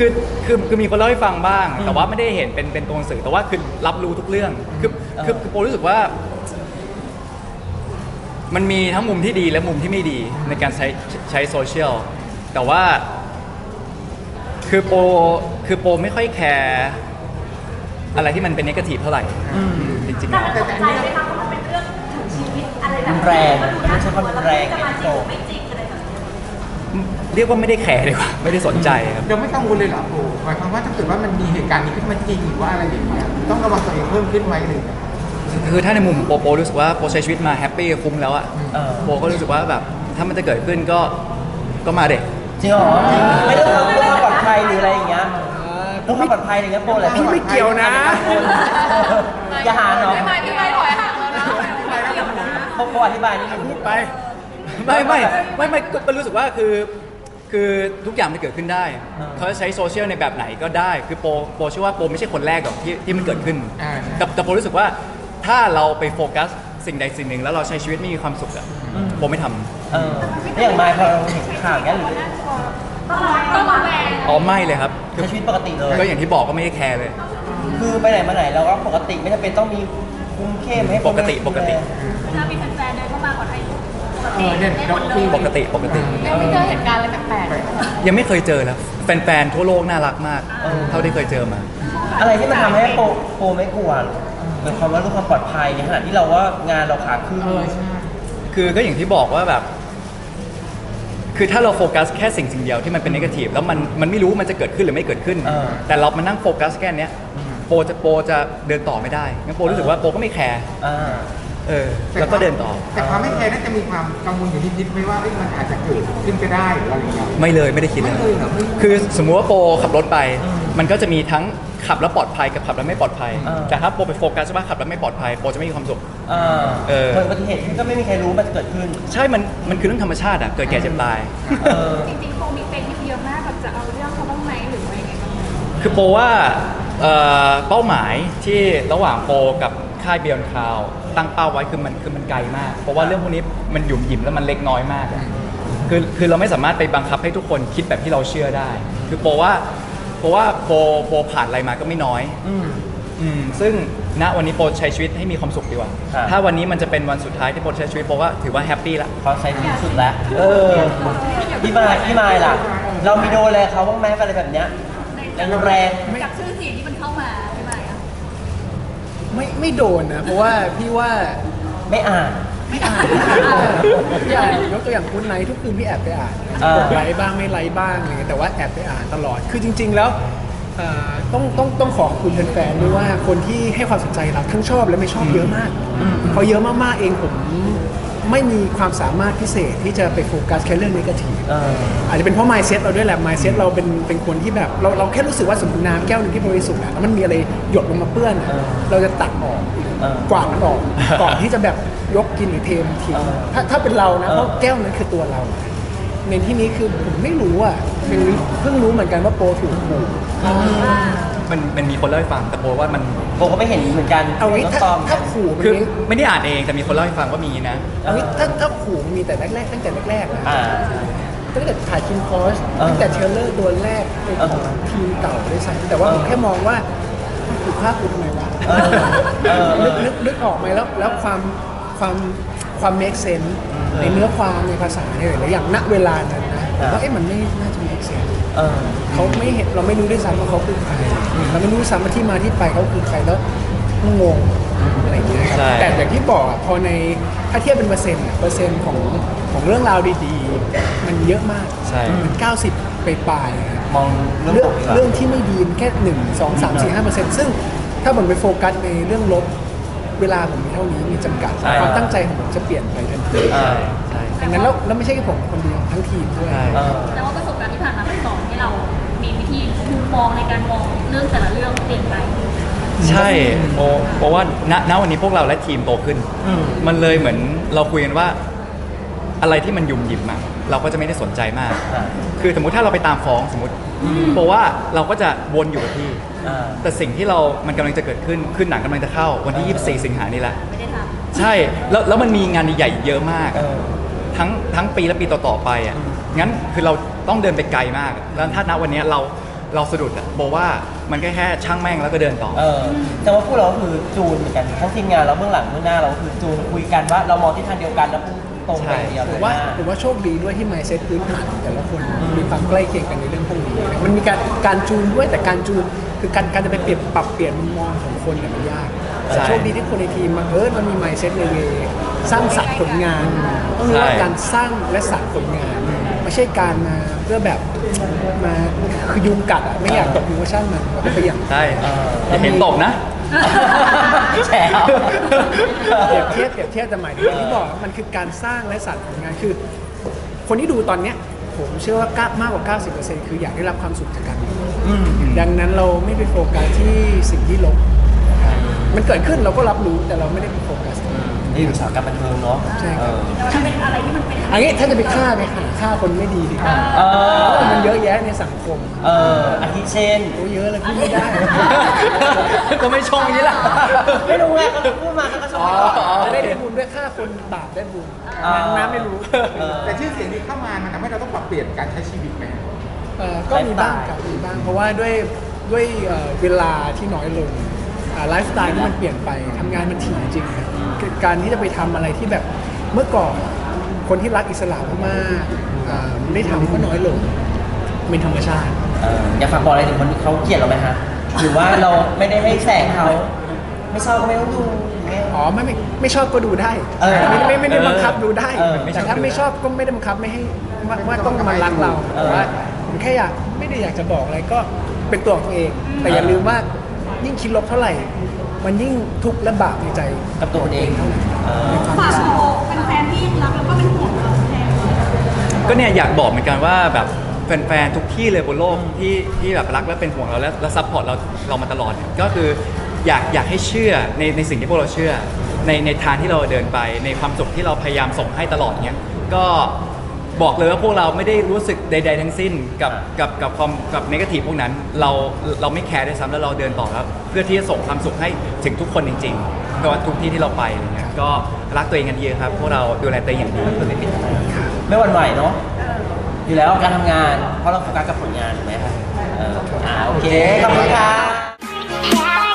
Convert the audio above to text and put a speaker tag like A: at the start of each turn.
A: คือคือมีคนเล่าให้ฟังบ้างแต่ว่าไม่ได้เห็นเป็นตัวหนังสือแต่ว่าคือรับรู้ทุกเรื่องคือโปรู้สึกว่ามันมีทั้งมุมที่ดีและมุมที่ไม่ดีในการใช้โซเชียลแต่ว่าคือโปไม่ค่อยแคร์อะไรที่มันเป็นเนกาทีฟเท่าไหร่จริงๆ
B: แต่มันตกใจไหมคะเพราะมันเป็นเรื่องถึงชีวิตอะไรแบบ
C: แรงไม่
B: มันดูน่า
C: ใช่
B: ก
C: ควา
B: ลั
C: ม
B: วแล้ว
C: แรง
B: จะ
C: ไง
B: มาจ
C: พี่
B: ริ
C: โต
B: งไม่จริงอะไรแบบนี้
A: เรียกว่าไม่ได้แคร์ดีกว่าไม่ได้สนใจครับ
D: เราไม่กังวลเลยเหรอโอ้หมายความว่าถ้าเกิดว่ามันมีเหตุการณ์นี้ขึ้นมาจริงหรือว่าอะไรอย่างเงี้ยต้องระวังตัวเองเพิ่มขึ้นไหมหรือ
A: คือถ้าในมุมโปรู้สึกว่าโปใช้ชีวิตมาแฮปปี้คุ้มแล้วอะโปก็รู้สึกว่าแบบถ้ามันจะเกิดขึ้นก็มาเด็ก
C: จริงเหรอไม่ต้องเพื่อความปลอดภัยหรืออะไรอย่างเงี้ยเพื่อความปลอดภัยอะไรเงี้ยโปรอะไร
E: พี่ไม่เกี่ยวนะ
C: อย่าหาเนาะ
B: พี่ไม่ถอยห่างแล้วนะไม่เกี่ยวนะ
C: โปรอธิบายนิดนึง
E: พูดไป
A: ไม่ก็รู้สึกว่าคือทุกอย่างมันเกิดขึ้นได้เขาจะใช้โซเชียลในแบบไหนก็ได้คือโปเชื่อว่าโปไม่ใช่คนแรกหรอกที่มันเกิดขึ้นแต่โปรู้สึกว่าถ้าเราไปโฟกัสสิ่งใดสิ่งหนึ่งแล้วเราใช้ชีวิตไม่มีความสุขอะโปไม่ทำ
C: แล้วอย่างไมค์พอเราเห็นข่าวอย่างเงี้ยหรือ
B: ต้องระแวง
A: อ๋อไม่เลยครับ
C: ใช้ชีวิตปกติเลย
A: ก็อย่างที่บอกก็ไม่ได้แคร์เลย
C: คือไปไหนมาไหนเราก็ปกติไม่จำเป็นต้องมีคุมเข้มให้คน
A: ปกติ
B: ถ้ามีแฟนๆเดินเข้ามาขอถ่ายรูป
D: เนี่ย
B: ได้หมดเลย
A: ปกติ
B: ยังไม่เจอเหตุการณ์อะไรแปลก
A: ยังไม่เคยเจอแล้วแฟนๆทั่วโลกน่ารักมากเท่าที่เคยเจอมา
C: อะไรที่มันทำให้โปรไม่กลัวหมายความว่าเรื่องความปลอดภัยในขณะที่เราว่างานเราขาขึ้น
A: คือก็อย่างที่บอกว่าแบบ คือถ้าเราโฟกัสแค่สิ่งเดียวที่มันเป็นนกาทีฟแล้วมันไม่รู้มันจะเกิดขึ้นหรือไม่เกิดขึ้น แต่เรามานั่งโฟกัสแค่เนี้ยโปจะเดินต่อไม่ได้งั้นโปรู้สึกว่าโปก็ไม่แคร์ แล้วก็เดินต่อ
D: แต่ความไม่แคร์น่าจะมีความกังวลอยู่นิดๆไหมว่ามันอาจจะเกิดขึ้นก็ได้หรืออะไรอย่างเงี้ย
A: ไม่เลยไม่ได้คิดเลย
D: ไม่เลยเหรอ
A: คือสมมุติว่าโปขับรถไป มันก็จะมีทั้งขับแล้วปลอดภัยกับขับแล้วไม่ปลอดภัย แต่ถ้าโปไปโฟกัสว่าขับแล้วไม่ปลอดภัยโปจะไม่มีความสุข
C: เกิดอุบัติเหตุขึ้นก็ไม่มีใครรู้มันจะเกิดขึ้น
A: ใช่มันคือเรื่องธรรมชาติอะเกิดแก่เจ็บตาย
B: ๆจริงๆโฟมีเป็นที่เยอะมากแบบจะเอาเรื่องเขาบ้างไหมหรือว่ายังไงบ้าง
A: คือโปว่าเป้าหมายที่ระหว่างโปกับค่ายเบียนคาวตั้งเป้าไว้คือมันไกลมาก เพราะว่าเรื่องพวกนี้มันหยุ่มหยิมแล้วมันเล็กน้อยมากอะคือเราไม่สามารถไปบังคับให้ทุกคนคิดแบบที่เราเชื่อได้ คือโปว่าโปผ่านอะไรมาก็ไม่น้อยซึ่งณวันนี้โปใช้ชีวิตให้มีความสุขดีกว่า ถ้าวันนี้มันจะเป็นวันสุดท้ายที่โปใช้ชีวิตโปว่าถือว่าแฮปปี้ละ
C: เขาใช้ที่สุดแล้วพี่มายล่ะ เรามีโดนอะไรเขาบ้างไหมอะไรแบบเนี้ยแรง
B: กับชื่อเสียงที่มันเข้ามาพี่ใหม่อะ
E: ไม่โดนนะ เพราะว่าพี่ว่า
C: ไม่อ่าน
E: พี่อ่านยกตัวอย่างคุณไนท์ทุกคืนพี่แอบไปอ่านกดไลค์บ้างไม่ไลค์บ้างอะไรเงี้ยแต่ว่าแอบไปอ่านตลอดคือจริง ๆ แล้วต้องขอบคุณแฟนๆด้วยว่าคนที่ให้ความสนใจเราทั้งชอบและไม่ชอบเยอะมากพอเยอะมากๆเองผมไม่มีความสามารถพิเศษที่จะไปโฟกัสแค่เรื่องนกาทีฟอาจจะเป็นเพราะ mindset เราด้วยแหละ mindset เราเป็นคนที่แบบเราแค่รู้สึกว่าสมมติน้ำแก้วหนึงที่บริสุทธิ์แล้วมันมีอะไรหยดลงมาเปื้อนเราจะตักออกกวาดมันออกก่อนที่จะแบบยกกินหรือเทมันทิ้งถ้าเป็นเรานะเพราะแก้วนั้นคือตัวเราในที่นี้คือผมไม่รู้อ่ะเพิ่งรู้เหมือนกันว่าโปรถูกขู่
A: มันมีคนเล่าให้ฟังแต่โปว่ามัน
C: โบก็ไม่เห็นเหมือนกัน
E: เอางี้
C: น้องตอม
E: ถ้าขู่มัน
A: คือ
E: มี
A: ไม่ได้อ่านเองแต่มีคนเล่าให้ฟังว่ามีนะ
E: เอางี้ถ้าขู่มันมีแต่แรกๆตั้งแต่แรกๆนะ
C: อ่า
E: ตั้งแต่ถ่ายคิมคอสตั้งแต่เทรลเลอร์ตัวแรกเป็นของทีมเก่าด้วยซ้ำแต่ว่าผมแค่มองว่าถูกภาพกูทำไมวะนึกออกไหมแล้วความ make sense ในเนื้อความในภาษาเนี่ยหลายอย่างณเวลานั้นนะผมว่ามันไม่น่าจะ make sense เขาไม่เห็นเราไม่รู้ด้วยซ้ำว่าเขาคือใครเราไม่รู้ซ้ำว่าที่มาที่ไปเขาคือใครแล้วงงอะไรอย่างเงี้ยครับ
A: ใช่
E: แต่อย่างที่บอกอะพอในถ้าเทียบเป็นเปอร์เซ็นต์ของเรื่องราวดีๆ มันเยอะมาก
A: ใช่
E: มัน90ไปปลายๆครับ
C: มองเรื่อง
E: เรื่
C: บ
E: อง
C: วกดีกว่า
E: เรื่องที่ไม่ดีมันแค่1 2 3 4 5%ซึ่งถ้าผมไปโฟกัสในเรื่องลบเวลาผมมีเท่านี้มีจำกัด
A: ใช่
E: ความตั้งใจของผมจะเปลี่ยนไปทันที
C: อ่า
A: ใช่
E: ดังนั้นแล้วไม่ใช่แค่ผมคนเดียวทั้งทีมด้วย
A: ใช่
B: แต่ว่าประสบการณ์ที่ผ่านมามันสอนให้เรามีวิธีมุมมองในการมองเรื่องแต่ละเรื่องเปลี่ยนไป
A: ใช่เพราะว่าณวันนี้พวกเราและทีมโตขึ้น มันเลยเหมือนเราคุยกันว่าอะไรที่มันยุ่มหยิมอะเราก็จะไม่ได้สนใจมาก คือสมมุติถ้าเราไปตามฟ้องสมมติเพราะว่าเราก็จะวนอยู่กับที่ แต่สิ่งที่มันกำลังจะเกิดขึ้นคือหนังกำลังจะเข้าวันที่ 24 สิงหานี้แล้ว
B: ไม่ได้ท
A: ใช่แล้วมันมีงานใหญ่ๆเยอะมาก ทั้งปีและปีต่อๆไปอ่ะงั้นคือเราต้องเดินไปไกลมากแล้วถ้าณวันนี้เราเราสะดุดอะบอกว่ามันแค่ช่างแม่งแล้วก็เดินต่อ
C: แต่ว่าพวกเราก็คือจูนเหมือนกันทั้งทีมงานเราเบื้องหลังเบื้องหน้าเราก็คือจูนคุยกันว่าเรามองที่ทางเดียวกันแล้วพุ่งตรงไปเดียว
E: ผม
C: เลย
E: ว่า
C: นะ
E: ผมว่าโชคดีด้วยที่ mindset พื้นฐานของแต่ละคนมีความใกล้เคียงกันในเรื่องพวกนี้มันมีการจูนด้วยแต่การจูนคือการจะไปปรับเปลี่ยนมุมมองของคนเนี่ยมันยากแต่โชคดีที่คนในทีมมันมี mindset ในเวสร้างสรรค์ผลงานต้องรู้ว่าการสร้างและสรรค์ผลงานไม่ใช่การมาเพื่อแบบมาคือยุงกัดอ่ะไม่อยากตกยุงก็ช่างมันก็ไปอย่าง
A: ใช่อย่าเห็นตบนะ
C: แฉเอา
E: เปรียบเทียบแต่หมายถึงที่บอกมันคือการสร้างและสรรค์ผลงานคือ คนที่ดูตอนเนี้ยผมเชื่อว่ามากกว่า 90% คืออยากได้รับความสุขจากการดูดังนั้นเราไม่ไปโฟกัสที่สิ่งที่ลบมันเกิดขึ้นเราก็รับรู้แต่เราไม่ได้ไปโฟกัส
C: นี่อุตสาหกรรมบันเทิงเนาะ
E: ใช่ครับ
B: แต่ว่ามันเป็นอะไรที่มันเป็น
E: อันนี้ถ้าจะไปฆ่าคนไม่ดีดีกว่าเพราะมันเยอะแยะในสังคม
C: อาทิเช่น
E: โอ้เยอะเลยพูดไม่ได้
A: ก็ไม่ชงอย่างนี้ล่ะ
C: ไม่รู้ไงก็พูดมาก็ชอบ
E: จะได้บุญด้วยฆ่าคนบาปได้บุญน้ำไม่รู้
D: แต่ชื่อเสียงนี้เข้ามามันทำให้เราต้องปรับเปลี่ยนการใช้ชีวิตไหม
E: ก็มีบ้างครับมีบ้างเพราะว่าด้วยเวลาที่น้อยลงไลฟ์สไตล์ที่มันเปลี่ยนไปทำงานมันถี่จริงครับการที่จะไปทำอะไรที่แบบเมื่อก่อนคนที่รักอิสระมากๆได้ทำก็น้อยลงเป็นธรรมชาติ
C: อยากฝากบอกอะไรถึงคนที่เขาเกลียดเราไหมฮะหรือว่าเราไม่ได้ให้แสงเขาไม่ชอบก็ไม่ต้องดูอย่างเงี้ย
E: อ๋อไม่ชอบก็ดูได้ ไม่ได้บังคับดูได้ แต่ถ้าไม่ชอบก็ไม่ได้บังคับไม่ให้ว่าต้องมารักเราแต่ว่าผมแค่ไม่ได้อยากจะบอกอะไรก็เป็นตัวของตัวเอง แต่อย่าลืมว่ายิ่งคิดลบเท่าไหร่ มันยิ่งทุกข์และบาปในใจ
C: กับตัวเอง
E: เท่านั้น
B: ฝากบอกเป็นแฟนที่รักแล้วก็เป็นห่วงเราแทน
A: ก็เนี่ยอยากบอกเหมือนกันว่าแบบแฟนๆทุกที่เลยบนโลกที่แบบรักและเป็นห่วงเราและซัพพอร์ตเรามาตลอดเนี่ยก็คืออยากให้เชื่อในสิ่งที่พวกเราเชื่อในทางที่เราเดินไปในความสุขที่เราพยายามส่งให้ตลอดเนี่ยก็บอกเลยว่าพวกเราไม่ได้รู้สึกใดๆทั้งสิ้นกับความกับเนกาทีฟพวกนั้นเราไม่แคร์ด้วยซ้ำแล้วเราเดินต่อแล้วเพื่อที่จะส่งความสุขให้ถึงทุกคนจริงๆไม่ว่าทุกที่ที่เราไปอะไรเงี้ยก็รักตัวเองกันเยอะครับพวกเราดูแลตัวเองอย่างดีเพื่อไม่ผิด
C: ไม่หวั่นไหวเนาะอยู่แล้วการทำงานเพราะเราโฟกัสกับผลงานถูกไหมครับโอเคขอบคุณค่ะ